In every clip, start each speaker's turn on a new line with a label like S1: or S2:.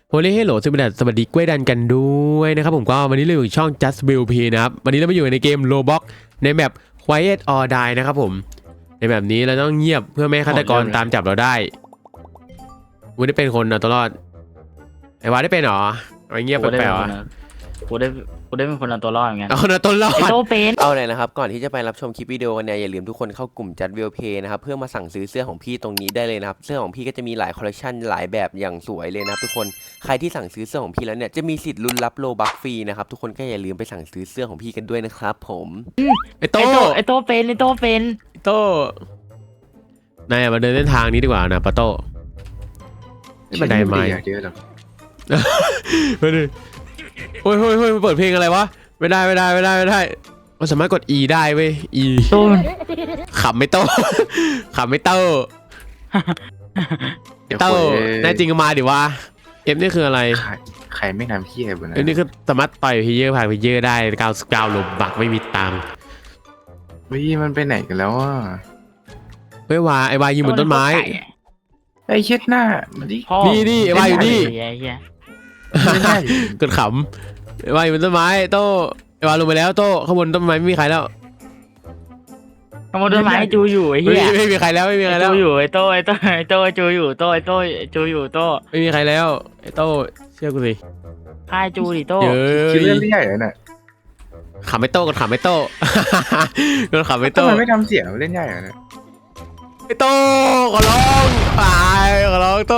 S1: โฮลี่เฮลโหลสวัสดีกล้วยดันกันด้วยนะครับผมก็วันนี้เราอยู่ช่อง Just Build P นะครับวันนี้เรามาอยู่ในเกม Roblox ในแมป Quiet or Die นะครับผมในแบบนี้เราต้องเงียบเพื่อไม่ให้ฆาตกรตามจับเราได้กูได้เป็นคนนะตลอดไอ้วาได้เป็นหรอไอ้เงียบแปลกๆ
S2: กูได้เป็นคนเอาตัวรอดเหมือนกัน
S1: เอาคนนะต้นรอด
S2: ไอโตเป็น
S3: เอาเลยนะครับก่อนที่จะไปรับชมคลิปวิดีโอกันเนี่ยอย่าลืมทุกคนเข้ากลุ่มจัดวิวเพย์นะครับเพื่อมาสั่งซื้อเสื้อของพี่ตรงนี้ได้เลยนะครับเสื้อของพี่ก็จะมีหลายคอลเลคชันหลายแบบอย่างสวยเลยนะครับทุกคนใครที่สั่งซื้อเสื้อของพี่แล้วเนี่ยจะมีสิทธิ์ลุ้นรับโลบัคฟรีนะครับทุกคนก็อย่าลืมไปสั่งซื้อเสื้อของพี่กันด้วยนะครับผม
S1: ไอ้โต้
S2: ไอโตเป็น
S1: โต้นายมาเดินเส้นทางนี้ดีกว่านะปะโต้ไม่บันไดไม้
S4: เยอะหรอก
S1: เฮ้ยเฮ้ยเปิดเพลงอะไรวะไม่ได้มันสามารถกด E ได้เว้ย E
S2: โตมัน
S1: ขำไม่โต้ ขำไม่โต้โต้แน่จริงก็มาดิวะเอฟนี่คืออะไร
S4: ใครไม่ทำขี้อะไรบนนั้น
S1: เอฟนี่คือสามารถต่อยเพลเยอร์ผ่านเพลเยอร์ได้99ลมบักไม่มีตังค์
S4: มันไปไหนกันแล้วอ่ะ
S1: เฮ้ยวาไอวายืนบนต้นไม้
S4: ไอ้เช็ดหน้ามันดิ
S1: นี่ไอวาอยู่นี่
S4: ไม่ได้
S1: กดขำไอวาอยู่บนต้นไม้โต้ไอวาลงไปแล้วโต้ข้างบนต้นไม้ไม่มีใครแล้ว
S2: ขโมยต้นไม้จูอยู่ไอ้เหี้ย
S1: ไม่มีใครแล้วไม่มีใครแล้ว
S2: จูอยู่ไอโตจูอยู่โตจูอยู่โต
S1: ไม่มีใครแล้วไอโต้เชื่อกูสิ
S2: พายจูดิโต
S1: เยอะ
S4: คิดเรื่องใหญ่เลยน่ะ
S1: ขำไม่โต้กดขำไม่โต้ กดขำไม่
S4: ทำ
S1: โต้
S4: ไมไม่ทำเสียงเล่นใหญ่เลย
S1: ไอโต้ขอร้องตายขอร้องโต้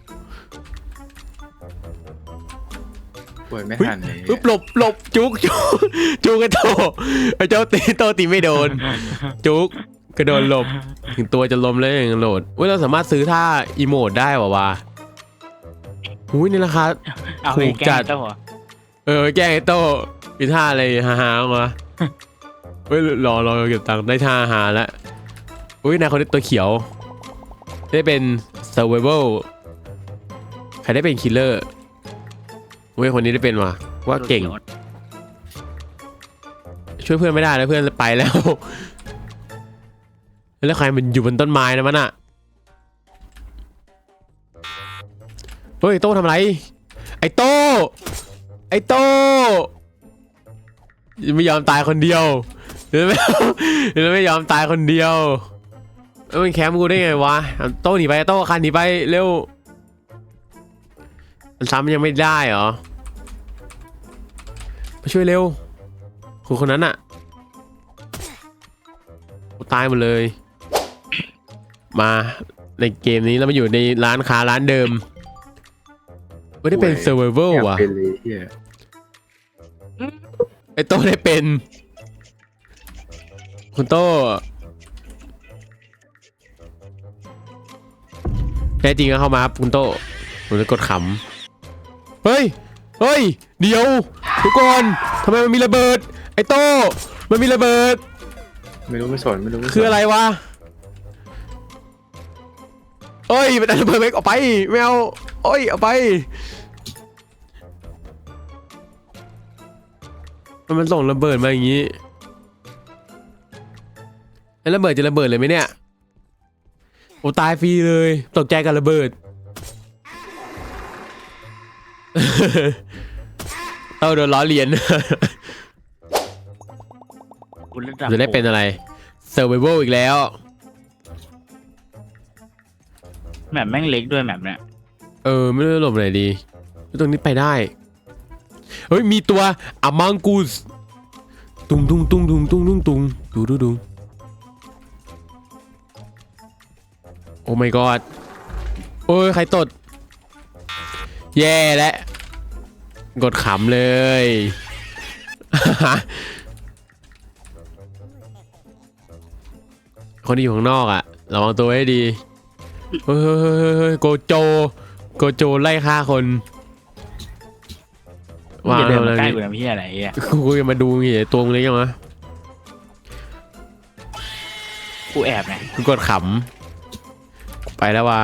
S4: ป่วยไม่ทันเลย
S1: ปึ๊บหลบจุกไอโต้ไอเจ้าโต้ตีไม่โดนจุกกระโดดหลบถึงตัวจะล้มแล้วยังโหลดเว้ยเราสามารถซื้อท่าอีโมดได้วะหุ้ยนี่ราคา
S2: เอา
S1: ถู
S2: ไป
S1: ก
S2: แก
S1: จั
S2: ล้
S1: ด
S2: งโต
S1: แกล้งไอโต้มีท่าอะไรฮาๆมาเฮ้ยรอเก็บตังค์ได้ท่าหาแล้วอุ้ยนายคนนี้ตัวเขียวได้เป็น survival ใครได้เป็น killer อุ้ยคนนี้ได้เป็นว่ะว่าเก่งช่วยเพื่อนไม่ได้แล้วเพื่อนไปแล้วแล้วใครมันอยู่บนต้นไม้นะมันอะเฮ้ยโต้ทำอะไรไอ้โต้ไม่ยอมตายคนเดียวเดี๋ยวไม่ยอมตายคนเดียวแล้วมันแคมป์กูได้ไงวะโต้หนีไปโต้คันหนีไปเร็วมันซ้ำยังไม่ได้เหรอมาช่วยเร็วคนนั้นอะกูตายหมดเลยมาในเกมนี้เรามาอยู่ในร้านค้าร้านเดิมไม่ได้เป็น survival ว่ะ
S4: เป็นเลยเฮีย
S1: ไอ้โต้ได้เป็นคุณโต้แท้จริงก็เข้ามาครับคุณโต้ผมจะกดขำเฮ้ยเดี๋ยวทุกคนทำไมมันมีระเบิดไอ้โต้มันมีระเบิด
S4: ไม่รู้ไม่สน
S1: คืออะไรวะเฮ้ยมันระเบิดไปออกไปไม่เอาเอาไปมันส่งระเบิดมาอย่างนี้แล้วระเบิดจะระเบิดเลยไหมเนี่ยโอ้ตายฟรีเลยตกใจกับระเบิด เอาโดนล้อเลียน จะได้เป็นอะไร survival อีกแล้ว
S2: แมปแม่งเล็กด้วยแมปเนี่ย
S1: ไม่รู้จะหลบไหนดีตรงนี้ไปได้เฮ้ยมีตัวอะมังกูสตุงดูโอ้ my god โอ้ยใครตดแย่แล้วกดขำเลย คนที่อยู่ข้างนอกอ่ะระวังตัวให้ดีเฮ้ยโกโจไล่ฆ่าคน
S2: ว้าวเดินมาใกล้กูทำพี่อะไรอ่ะ
S1: กูจะมาดูไงตัวมึงเล็กยังวะ
S2: กูแอบไง
S1: กูกดขำไปแล้วว่ะ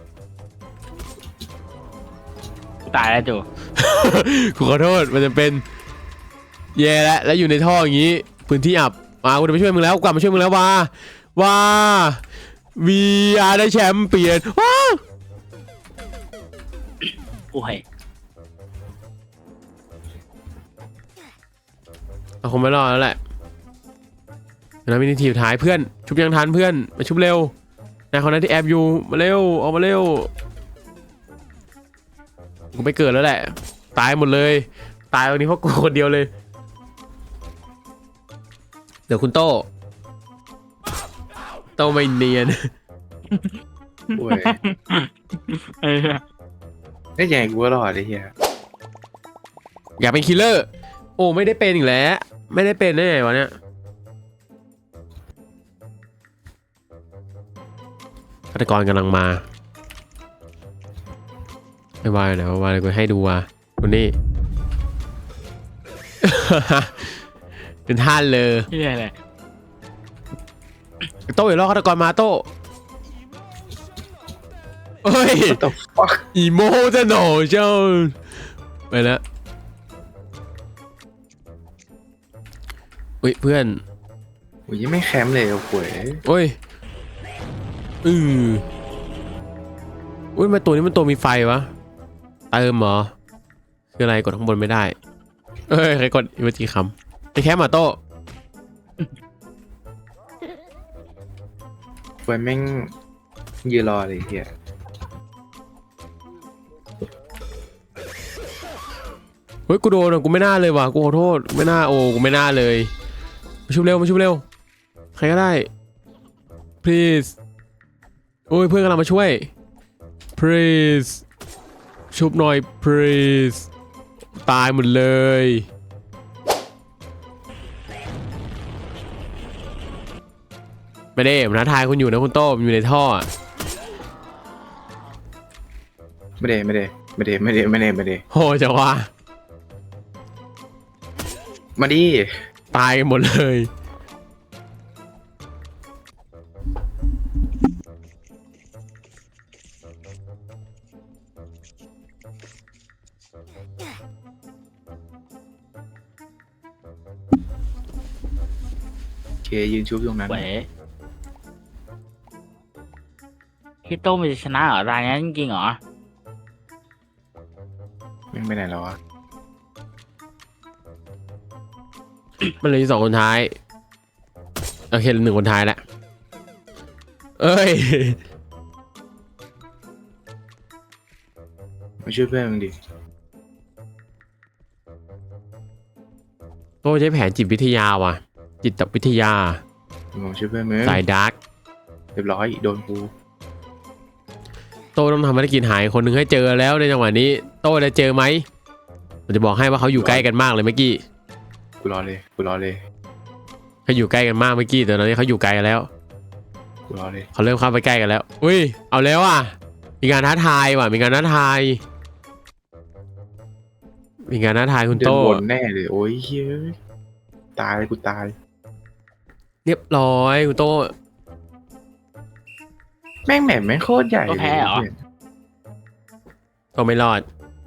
S2: กูตายแล้วจู
S1: กูขอโทษมันจะเป็นแย่แล้วอยู่ในท่ออย่างนี้พื้นที่อับมากูจะไปช่วยมึงแล้วกลับมาช่วยมึงแล้วว่า VR ได้แชมป์เปี้ยนว้า
S2: โอ้ย
S1: เราคงไม่รอดแล้วแหละนะมินิทีท้ายเพื่อนชุบยังทันเพื่อนมาชุบเร็วนายคนนั้นที่แอบอยู่มาเร็วออกมาเร็วกูไม่เกิดแล้วแหละตายหมดเลยตายวันนี้เพราะกูคนเดียวเลยเดี๋ยวคุณโต้ไม่เนียน
S4: ป่วย
S2: เออ
S4: ได้ยังไงกูก็รอดไอ้เหี้ย
S1: อยากเป็นคิลเลอร์โอ้ไม่ได้เป็นอีกแล้วไม่ได้เป็นได้ไงวะเนี่ยฆาตกรกำลังมาไม่ว่านะว่ากูให้ดูว่ะคนนี้ เป็นท่านเลย
S2: ที่ไหนเลย
S1: โต้อย่ารอฆาตกรมาโต้เฮ้ย
S4: What the fuck
S1: อีโมจะหนอเจ้าไปแล้วเพื่อน
S4: โอ้ยยังไม่แคมป์เลยเอาป่วย
S1: โอ้ยอุ้ยมาตัวนี้มันตัวมีไฟวะเติมเหรอคืออะไรกดข้างบนไม่ได้เอ้ยใครกดอีเมจิคำไปแคมป์มาโต้
S4: ป่วยแม่งยืนรอเลยไอ้เหี้ย
S1: เฮ้ยกูโดนอ่ะกูไม่น่าเลยว่ะกูขอโทษไม่น่าโอ้กูไม่น่าเลยมาชุบเร็วมาชุบเร็วใครก็ได้ please โอ้ยเพื่อนกำลังมาช่วย please ชุบหน่อย please ตายหมดเลยไม่ได้ผมท้าทายคุณอยู่นะคุณโต้ผมอยู่ในท่ออะ
S4: ไม่ได้
S1: โหจะว่า
S4: มาดิ
S1: ตายกันหมดเลย
S4: โอเคยืนชุบตรงนั้น
S2: เว้ยพี่โต้มันจะชนะเหรอรายนี้จริงๆเหรอ
S4: แม่งไปไหนแล้ววะ
S1: มันเหลย2 คนท้ายโอเคเหลือ1 คนท้ายแล้วเอ้ย
S4: มาช่วยเพื่อนมึงดิ
S1: โต้ใช้แผนจิตวิทยาว่ะจิตวิทยา
S4: มาช่วยเพื่อนมึง
S1: สายดาร์ก
S4: เรียบร้อยโดนกู
S1: โต้ต้องทำภารกิจหายคนหนึ่งให้เจอแล้วในจังหวะนี้โต้จะเจอไหมผมจะบอกให้ว่าเขาอยู่ใกล้กันมากเลยเมื่อกี้
S4: กูรอเลย
S1: เขาอยู่ใกล้กันมากเมื่อกี้แต่ตอนนี้เขาอยู่ไกลกันแล้ว
S4: กูรอเลย
S1: เขาเริ่มเข้าไปใกล้กันแล้วอุ้ยเอาแล้วอ่ะมีการท้าทายว่ะมีการท้าทายคุณ
S4: เดิน
S1: โต้
S4: วนแน่เลยโอ้ยเฮ้ยตายกูตาย
S1: เรียบร้อยคุณโต้
S4: แม่งแหม่มแม่งโคตรใหญ่เลย
S1: โต้ไม่รอด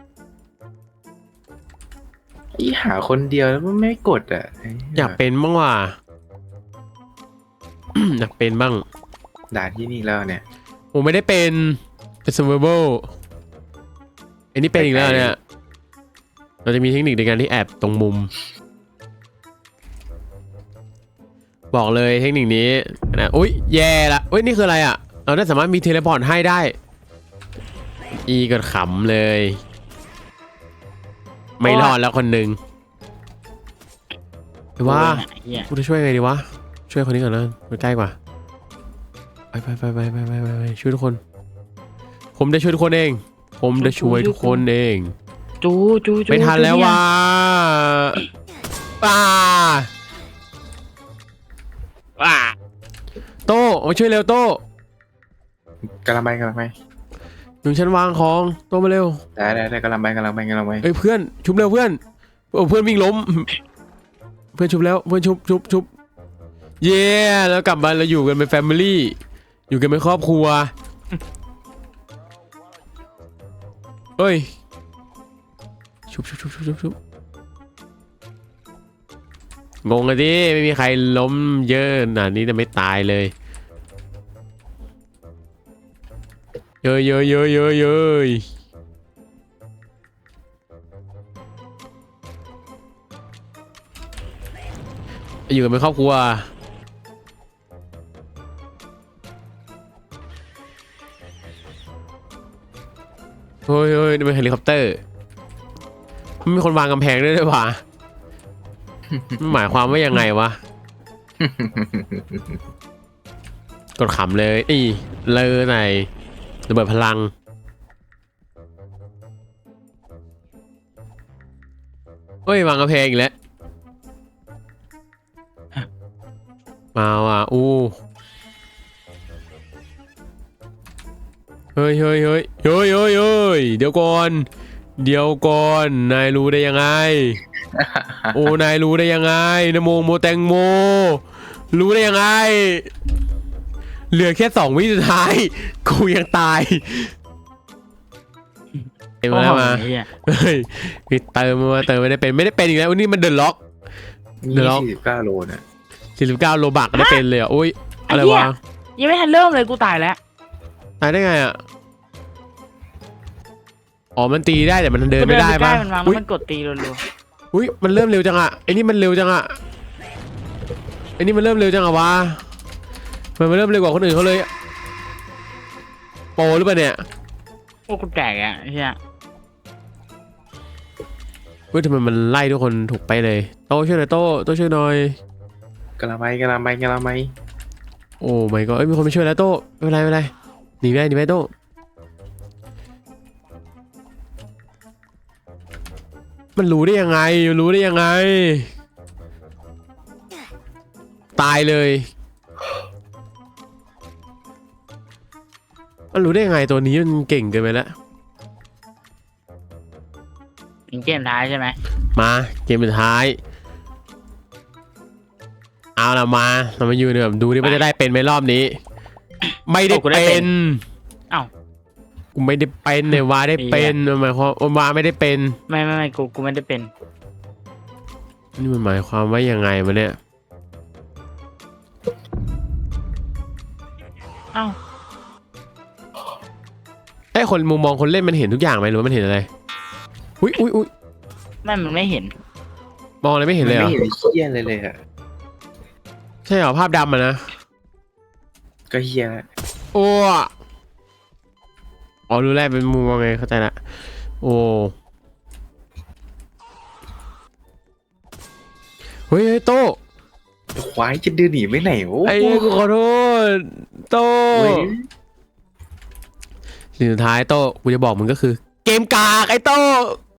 S4: ไอ้หาคนเดียวแล้วมันไม่กดอ่ะไหี้
S1: อยากเป็นบ้างว่ะ อยากเป็นบ้าง
S4: ด่านที่นี่แล้วเนี่ย
S1: ผมไม่ได้เป็นsurvival อันนี้เป็นอีกแล้วเนี่ยเราจะมีเทคนิคในการที่แอบตรงมุม บอกเลยเทคนิคนี้นะอุ้ยแย่ละอุ้ยนี่คืออะไรอ่ะเราได้สามารถมีเทเลพอร์ตให้ได้อีก็ขำเลยไม่รอดแล้วคนหนึ่งว่า
S2: เหี้ย
S1: กูจะช่วยไงดีวะช่วยคนนี้ก่อนนะมันใกล้กว่าไปช่วยทุกคน ผมจะช่วยทุกคนเองผมจะช่วยทุกคนเอง
S2: จู
S1: ไม่ทันแล้วว่ะป้า
S2: ว้า
S1: โต้มาช่วยเร็วโต้
S4: กำลังไป
S1: หนุนฉันวางของโต้มาเร็ว
S4: ได้กำลังไป
S1: เอ้ยเพื่อนชุบเร็วเพื่อนโอ้เพื่อนวิ่งล้ม เพื่อนชุบแล้วเพื่อนชุบเย้แล้วกลับมาเราอยู่กันเป็นแฟมิลี่อยู่กันเป็นครอบครัวเอ้ยชุบงงเลยดิไม่มีใครล้มเยอะขนาดนี้แต่ไม่ตายเลยเยอะอยู่กันเป็นครอบครัวเฮ้ยเฮ้ยนี่เป็นเฮลิคอปเตอร์มันมีคนวางกำแพงด้วยว่ะมันหมายความว่ายังไงวะ กดขำเลยนี่เลยไหนระเบิดพลังเฮ้ยวางกระเพงอีกแล้วมาว่ะอู้เฮ้ยเฮ้ยเฮ้ยเฮ้ยเฮ้ยเฮ้ยเดี๋ยวก่อนนายรู้ได้ยังไง โอ้นายรู้ได้ยังไงนะโมโมแตงโมรู้ได้ยังไงเหลือแค่2 วิสุดท้ายกูยังตายเต็มแล้วมา
S2: ไอ้เหี้ย
S1: เฮ้ยพี่เติมมาเติมไม่ได้เป็นอีกแล้วนี่มันเดินล็อก เดี๋ยวเรา
S4: นี่49 โลเนี่ย
S1: 49โลบักได้เป็นเลยอ่ะโอ้ยอะไรวะ
S2: ยังไม่ทันเริ่มเลยกูตายแล้ว
S1: ตายได้ไงอ่ะอ๋อมันตีได้แต่มันเดินไม่ได้
S2: กูเนปใก
S1: ปะ
S2: ล้มันวางแล้วมันกดตีรัว
S1: อุ้ยมันเริ่มเร็วจังอ่ะไอ้นี่มันเร็วจังอ่ะไอ้นี่มันเริ่มเร็วจังอ่ะวะมันเริ่มเร็วกว่าคนอื่นเขาเลยโปรหรือเปล่าเนี่ย
S2: ๆโอ้กูแตกอ่ะไอ้เหี้ย
S1: เฮ้ยทำไมมันไล่ทุกคนถูกไปเลยโต้ช่วยหน่อยโต้ช่วยหน่อย
S4: กะละไม
S1: โอ้ไม่ก็เอ้ยมีคนมาช่วยแล้วโต้ไม่เป็นไรหนีไปโต้มันรู้ได้ยังไงตายเลยมันรู้ได้ยังไงตัวนี้มันเก่งเกินไปแล้ว
S2: เป็นเกมท้ายใช่ไหม
S1: มาเกมสุดท้ายเอาละมาเรามาอยู่เนี่ยแบบดูดิว่าจะได้เป็นไหมรอบนี้ ไม่ได้เป็น
S2: เอ้า
S1: กูไม่ได้เป็นเนี่ยวาได้เป็นหมายความวาไม่ได้เป็น
S2: ไม่กูไม่ได้เป็น
S1: นี่มันหมายความว่ายังไงวะเนี่ย
S2: เอ้า
S1: ไอ้คนมุมมองคนเล่นมันเห็นทุกอย่างไหมหรือว่ามันเห็นอะไรอุ้ย
S2: มันไม่เห็น
S1: มองอะไรไม่เห็นเลยเหรอ
S4: ไม่เห็นเฮี้ยเลยอะ
S1: ใช่เหรอภาพดำอะนะ
S4: ก็เฮี้ยแล้ว
S1: โอ้อ๋อรู้แล้วเป็นมุมมองไงเข้าใจละโอ้เฮ้ยโต้
S4: ควายจะเดินหนีไปไหนโอ้
S1: ไอ้กูขอโทษโต้
S4: เว้ย
S1: สิ่งสุดท้ายโต้กูจะบอกมึงก็คือ เกมกากไอ้โต้